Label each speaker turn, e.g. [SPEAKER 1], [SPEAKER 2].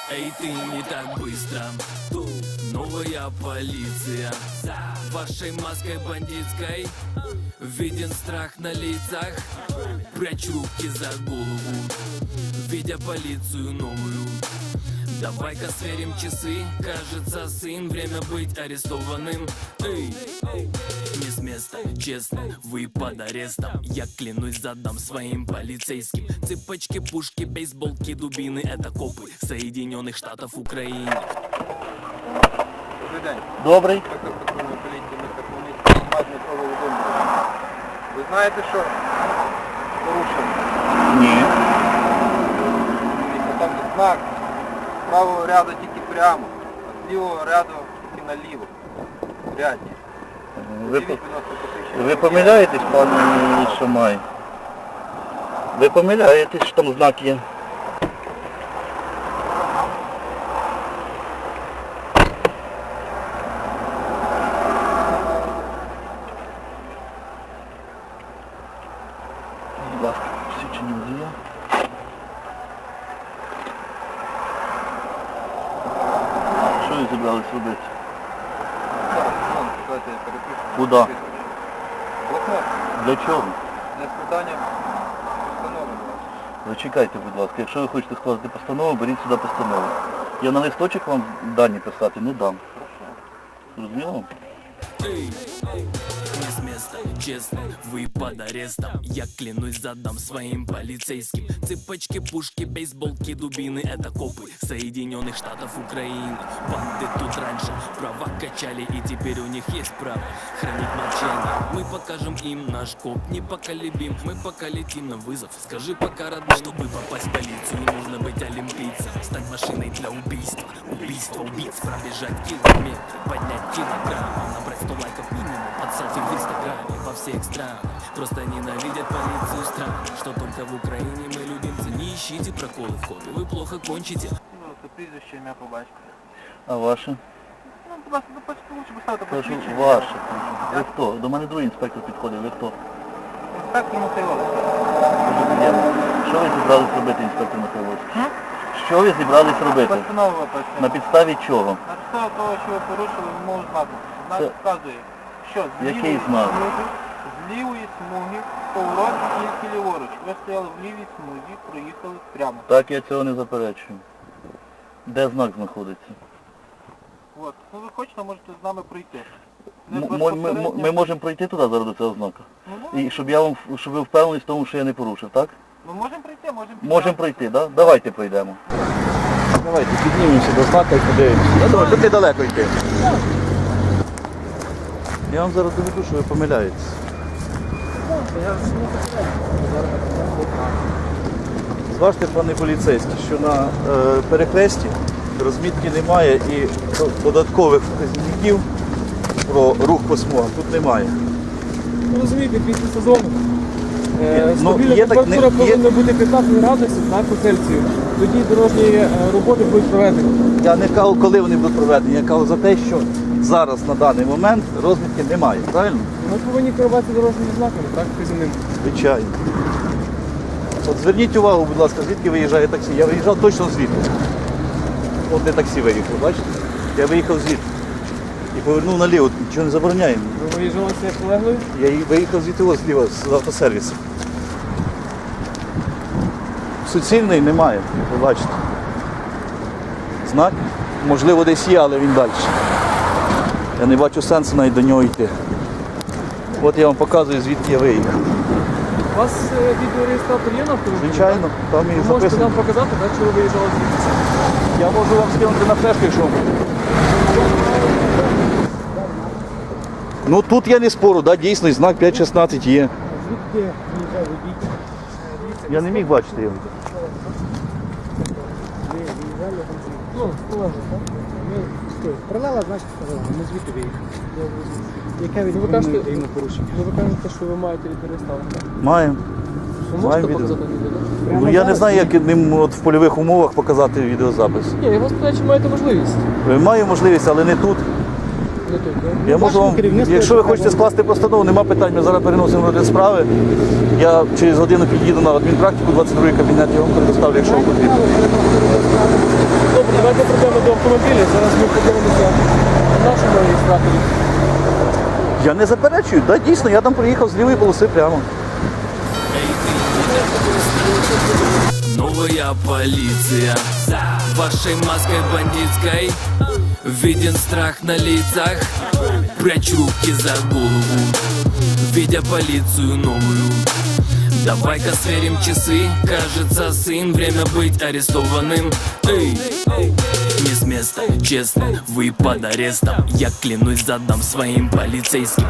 [SPEAKER 1] Эй, ты не так быстро. Тут новая полиция. За вашей маской бандитской виден страх на лицах. Прячу руки за голову, видя полицию новую. Давай-ка сверим часы. Кажется, сын, время быть арестованным. Эй, не с места, честно, вы под арестом. Я клянусь, задам своим полицейским. Цепочки, пушки, бейсболки, дубины. Это копы Соединенных Штатов Украины.
[SPEAKER 2] Добрий день.
[SPEAKER 3] Добрий.
[SPEAKER 2] Ви знаєте, що порушено?
[SPEAKER 3] Ні.
[SPEAKER 2] Там є знак. З правого ряду тільки прямо, а з лівого ряду тільки наліво. Рядні.
[SPEAKER 3] Ви помиляєтесь, пане Шамай? Ви помиляєтесь, що там знак є. Будь ласка, посвідчення водія. Що ви зібрались робити?
[SPEAKER 2] Давайте я перепишу.
[SPEAKER 3] Куди?
[SPEAKER 2] Блокнот.
[SPEAKER 3] Для чого?
[SPEAKER 2] Для складання постанови.
[SPEAKER 3] Зачекайте, будь ласка, якщо ви хочете складати постанову, беріть сюди постанову. Я на листочок вам дані писати не дам. Зрозуміло?
[SPEAKER 1] Эй, не с места, честно, вы под арестом. Я клянусь, задам своим полицейским. Цепочки, пушки, бейсболки, дубины. Это копы Соединенных Штатов Украины. Банды тут раньше права качали, и теперь у них есть право хранить молчание. Мы покажем им наш коп непоколебим. Мы пока летим на вызов. Скажи пока, родной, чтобы попасть в полицию, нужно быть олимпийцем. Стать машиной для убийства. Убийство убийц, пробежать километры, поднять килограммы, набрать 100 лайков минимум под селфи в инстаграме. Во всех странах просто ненавидят полицию стран. Что только в Украине мы любимцы. Не ищите проколы в копе, вы плохо кончите.
[SPEAKER 2] Це прізвище, ім'я по батькові.
[SPEAKER 3] А ваше?
[SPEAKER 2] Ну, будь ласка, допустите, лучше поставити
[SPEAKER 3] Кажу,
[SPEAKER 2] посвідчення.
[SPEAKER 3] ваше. Ви хто? До мене другий інспектор підходив, ви хто?
[SPEAKER 2] Інспектор Михайловський.
[SPEAKER 3] Що ви зібрались робити, інспектор Михайловський? Що ви зібрались робити?
[SPEAKER 2] Постанова виписує.
[SPEAKER 3] На підставі чого?
[SPEAKER 2] На підставі того, що ви порушили вимогу знаку. Знак
[SPEAKER 3] Це-
[SPEAKER 2] вказує, що з
[SPEAKER 3] Який
[SPEAKER 2] лівої
[SPEAKER 3] знак?
[SPEAKER 2] смуги, з лівої смуги, поворот тільки ліворуч. Ви стояли в лівій смузі, проїхали прямо.
[SPEAKER 3] Так, я цього не заперечую. Де знак знаходиться?
[SPEAKER 2] От. Ну ви хочете, можете з нами пройти. Не
[SPEAKER 3] Ми
[SPEAKER 2] безпосередньо.
[SPEAKER 3] можемо пройти туди зараз до цього знака?
[SPEAKER 2] Ну,
[SPEAKER 3] І щоб ви впевнились в тому, що я не порушив, так?
[SPEAKER 2] ми можемо пройти, можемо
[SPEAKER 3] Можемо пройти, так? Давайте пройдемо.
[SPEAKER 4] Давайте піднімемося до знака і подивимося. Я думаю, тут недалеко йти.
[SPEAKER 3] Я вам зараз доведу, що ви помиляєтесь.
[SPEAKER 4] Зважте, пане поліцейський, що на перехресті розмітки немає і додаткових вказівників про рух по смугам тут немає.
[SPEAKER 5] Розумієте, після сезону
[SPEAKER 4] Ну,
[SPEAKER 5] стабільна
[SPEAKER 4] є так,
[SPEAKER 5] температура
[SPEAKER 4] не- є-
[SPEAKER 5] повинна бути 15 градусів на по Цельсію. Тоді дорожні роботи будуть проведені.
[SPEAKER 4] Я не кажу, коли вони будуть проведені, я кажу за те, що зараз на даний момент розмітки немає, правильно?
[SPEAKER 5] Ми повинні керуватися дорожніми знаками, так, вказівними.
[SPEAKER 4] Звичайно. От зверніть увагу, будь ласка, звідки виїжджає таксі. Я виїжджав точно звідти. От де таксі виїхав, бачите? Я виїхав звідти. І повернув наліво, нічого не забороняємо.
[SPEAKER 5] Ви виїжджали з колегою?
[SPEAKER 4] Я виїхав звідти ось зліва, з автосервісу. Суцільний немає, ви бачите. Знак, можливо, десь є, але він далі. Я не бачу сенсу навіть до нього йти. От я вам показую, звідки я виїхав.
[SPEAKER 5] У вас відеореєстратор є на автомобілі?
[SPEAKER 4] Звичайно, там і
[SPEAKER 5] Ви можете
[SPEAKER 4] записано.
[SPEAKER 5] нам показати, так, що ви виїжджали звідси?
[SPEAKER 4] Я можу вам скинути на флешку, якщо вам. Ну тут я не спору, да, дійсно, знак 5.16 є.
[SPEAKER 5] Звідки виїжджав водій?
[SPEAKER 4] Я не міг бачити його.
[SPEAKER 5] Ну, колега, так?
[SPEAKER 6] Пролила, значить, сказала, ми звідти виїхали. Яке
[SPEAKER 5] Ну, ви кажете,
[SPEAKER 6] відповідно йому порушення?
[SPEAKER 5] ви кажете, що ви маєте відеореєстратор, так?
[SPEAKER 4] Маємо.
[SPEAKER 5] Ви можете
[SPEAKER 4] Маємо відео.
[SPEAKER 5] показати відео?
[SPEAKER 4] Ну я не знаю, як ним от в польових умовах показати відеозапис.
[SPEAKER 5] Ні, я вас питаю, чи маєте можливість?
[SPEAKER 4] Маю можливість, але не тут.
[SPEAKER 5] Не тут, так?
[SPEAKER 4] Я можу вам,
[SPEAKER 6] керівництво
[SPEAKER 4] якщо ви
[SPEAKER 6] яке
[SPEAKER 4] хочете
[SPEAKER 6] вам-
[SPEAKER 4] скласти постанову, нема питань, ми зараз переносимо розгляд справи. Я через годину під'їду на адмінпрактику, 22-й кабінет, я вам предоставлю, якщо вам потрібно.
[SPEAKER 5] Добре, автомобілі, зараз ми подивимося на нашому реєстраторі.
[SPEAKER 4] Я не заперечую, да, дійсно, я там проїхав з лівої полоси прямо.
[SPEAKER 1] Новая полиция вашей маской бандитской виден страх на лицах. Прячу руки за голову, видя полицию новую. Давай-ка сверим часы, кажется, сын, время быть арестованным. Эй, не с места, честно, вы под арестом. Я клянусь, задам своим полицейским.